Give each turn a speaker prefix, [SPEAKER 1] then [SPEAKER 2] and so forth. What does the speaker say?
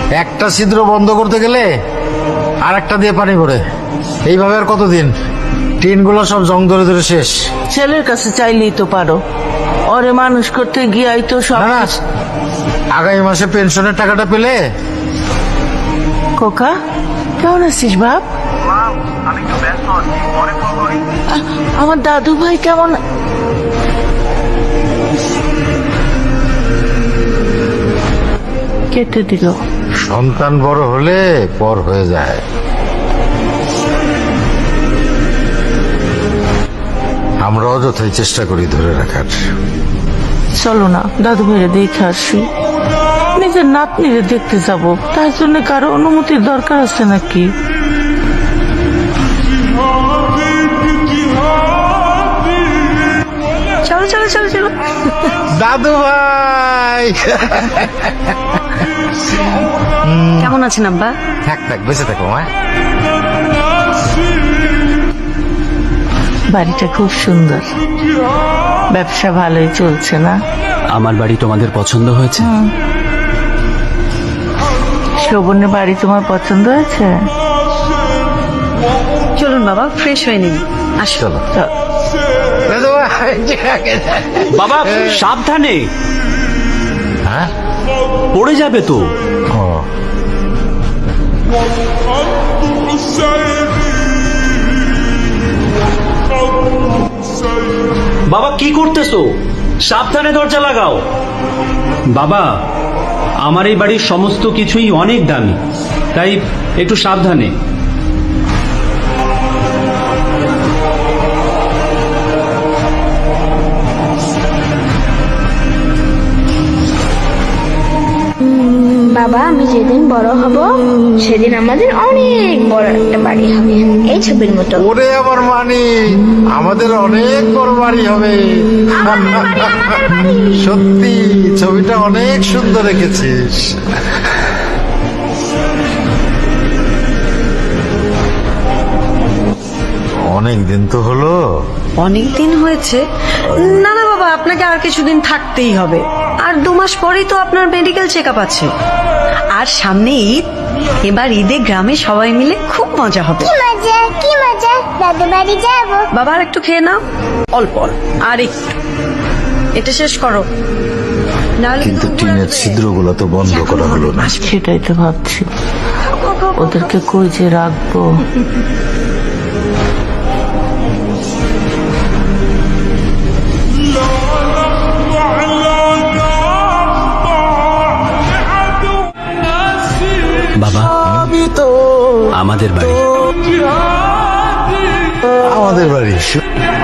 [SPEAKER 1] একটা ছিদ্র বন্ধ করতে গেলে আর একটা দিয়ে পানি পড়ে। এইভাবে আর কতদিন? টিনগুলো সব জং ধরে ধরে শেষ।
[SPEAKER 2] ছেলের কাছে চাইলেই তো পারো, ওরে মানুষ করতে গিয়াই তো সব।
[SPEAKER 1] না না, আগামী মাসে পেনশনের টাকাটা পেলে।
[SPEAKER 2] খোকা কেমন আছিস বাপ? আমার দাদু ভাই কেমন? কেটে দিল।
[SPEAKER 1] সন্তান বড় হলে পর হয়ে যায়। আমরা অযথাই চেষ্টা করি ধরে রাখার।
[SPEAKER 2] চলো না দাদু ভাইরে দেখে আসি। নিজের নাতনিরে দেখতে যাব, তার জন্য কারো অনুমতির দরকার আছে নাকি?
[SPEAKER 3] চলো চলো চলো চলো।
[SPEAKER 1] দাদু ভাই
[SPEAKER 3] কেমন আছেন আব্বা?
[SPEAKER 1] থাক থাক, বেঁচে থাকো মা।
[SPEAKER 2] বাড়িটা খুব সুন্দর, ব্যবসা ভালোই চলছে না?
[SPEAKER 4] আমার বাড়ি তোমাদের পছন্দ হয়েছে?
[SPEAKER 2] শোভনের বাড়ি তোমার পছন্দ হয়েছে?
[SPEAKER 3] চলুন বাবা, ফ্রেশ হয়ে নিন। আসো।
[SPEAKER 1] চলো
[SPEAKER 2] চল।
[SPEAKER 1] দাদু ভাই।
[SPEAKER 4] বাবা সাবধানে,
[SPEAKER 1] হ্যাঁ
[SPEAKER 4] পড়ে যাবে তো।
[SPEAKER 1] ও,
[SPEAKER 4] বাবা কি করতেছো? সাবধানে দরজা লাগাও। বাবা আমার এই বাড়ির সমস্ত কিছুই অনেক দামি, তাই একটু সাবধানে।
[SPEAKER 5] বাবা, আমি যেদিন বড় হব সেদিন আমাদের অনেক বড় একটা বাড়ি হবে, এই ছবির মতো।
[SPEAKER 1] ওরে আমার মানি, আমাদের অনেক বড় বাড়ি হবে। সত্যি ছবিটা অনেক সুন্দর রেখেছিস। অনেক দিন তো হলো।
[SPEAKER 3] অনেক দিন হয়েছে। না না বাবা, আপনাকে আর কিছুদিন থাকতেই হবে। আর 2 মাস পরেই তো আপনার মেডিকেল চেক আপ আছে। আর সামনে ঈদ, এবার ঈদে গ্রামে সবাই মিলে খুব মজা হবে।
[SPEAKER 5] কি মজা, কি মজা, দাদু বাড়ি যাবো।
[SPEAKER 3] বাবা আর একটু খেয়ে নাও, অল্প অল্প, আর একটু। এটা শেষ করো, নাহলে
[SPEAKER 1] কিন্তু টিনের ছিদ্রগুলো তো বন্ধ করা হলো না।
[SPEAKER 2] সেটাই তো ভাবছি, ওদেরকে কই যে রাখবো।
[SPEAKER 4] বাবা আমাদের বাড়ি।
[SPEAKER 1] আমাদের বাড়ি